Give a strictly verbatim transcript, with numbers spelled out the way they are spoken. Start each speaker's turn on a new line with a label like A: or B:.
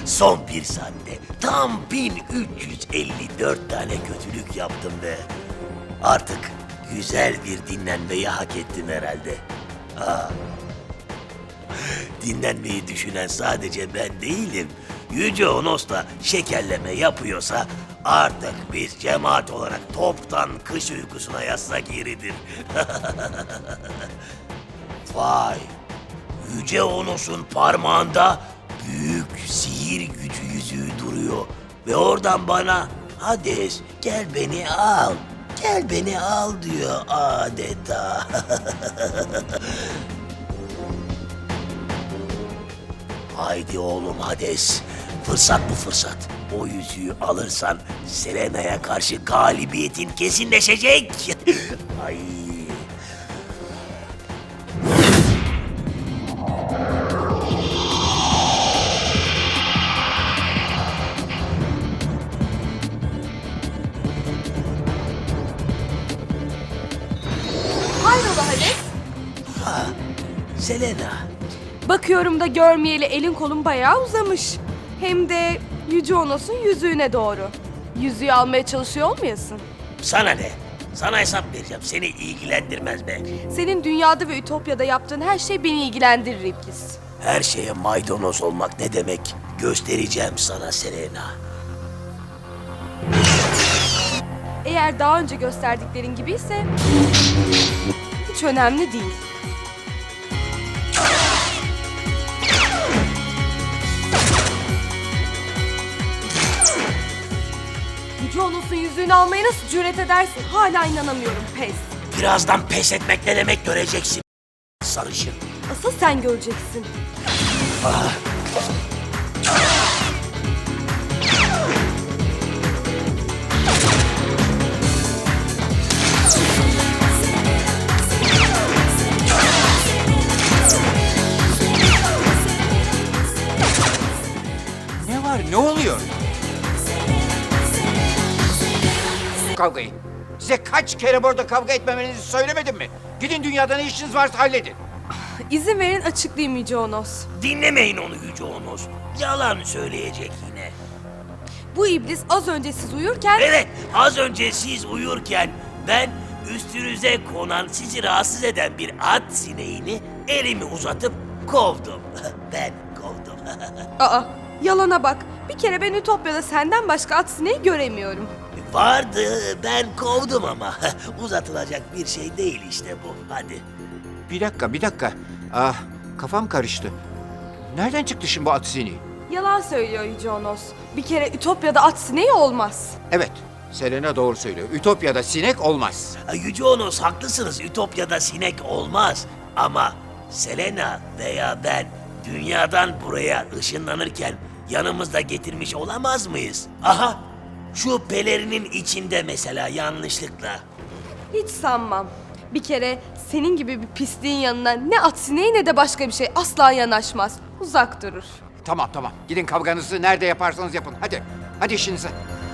A: Son bir saatte tam bin üç yüz elli dört tane kötülük yaptım ve artık güzel bir dinlenmeyi hak ettim herhalde. Aa. Dinlenmeyi düşünen sadece ben değilim. Yüce Onos da şekerleme yapıyorsa artık biz cemaat olarak toptan kış uykusuna yatsak yeridir. Vay! Yüce Onos'un parmağında büyük sihir gücü yüzüğü duruyor. Ve oradan bana Hades gel beni al, gel beni al diyor adeta. Haydi oğlum Hades, fırsat bu fırsat. O yüzüğü alırsan Selena'ya karşı galibiyetin kesinleşecek. Ay.
B: Hayrola Hades?
A: Ha, Selena.
B: Bakıyorum da görmeyeli elin kolun bayağı uzamış. Hem de Yüce Onos'un yüzüğüne doğru. Yüzüğü almaya çalışıyor olmayasın?
A: Sana ne? Sana hesap vereceğim. Seni ilgilendirmez be.
B: Senin dünyada ve Ütopya'da yaptığın her şey beni ilgilendirir İblis.
A: Her şeye maydanoz olmak ne demek? Göstereceğim sana Selena.
B: Eğer daha önce gösterdiklerin gibiyse hiç önemli değil. Yüce Onos'un yüzüğünü almaya nasıl cüret edersin? Hala inanamıyorum, pes.
A: Birazdan pes etmek ne demek göreceksin. Sarışın.
B: Asıl sen göreceksin.
C: Ne var? Ne oluyor? Kavgayı. Size kaç kere burada kavga etmemenizi söylemedim mi? Gidin dünyada ne işiniz varsa halledin.
B: İzin verin açıklayayım Yüce Onos.
A: Dinlemeyin onu Yüce Onos. Yalan söyleyecek yine.
B: Bu iblis az önce siz uyurken...
A: Evet, az önce siz uyurken ben üstünüze konan, sizi rahatsız eden bir at sineğini elimi uzatıp kovdum. Ben kovdum.
B: Aa, yalana bak. Bir kere ben Ütopya'da senden başka at sineği göremiyorum.
A: Vardı, ben kovdum ama uzatılacak bir şey değil işte bu. Hadi.
C: Bir dakika, bir dakika. Ah, kafam karıştı. Nereden çıktı şimdi bu at sineği?
B: Yalan söylüyor Yüce Onos. Bir kere Ütopya'da at sineği olmaz.
C: Evet, Selena doğru söylüyor. Ütopya'da sinek olmaz.
A: Yüce Onos haklısınız, Ütopya'da sinek olmaz. Ama Selena veya ben dünyadan buraya ışınlanırken yanımızda getirmiş olamaz mıyız? Aha, şu pelerinin içinde mesela yanlışlıkla.
B: Hiç sanmam. Bir kere senin gibi bir pisliğin yanına ne at sineği ne de başka bir şey asla yanaşmaz. Uzak durur.
C: Tamam, tamam. Gidin kavganızı nerede yaparsanız yapın. Hadi, hadi işinize.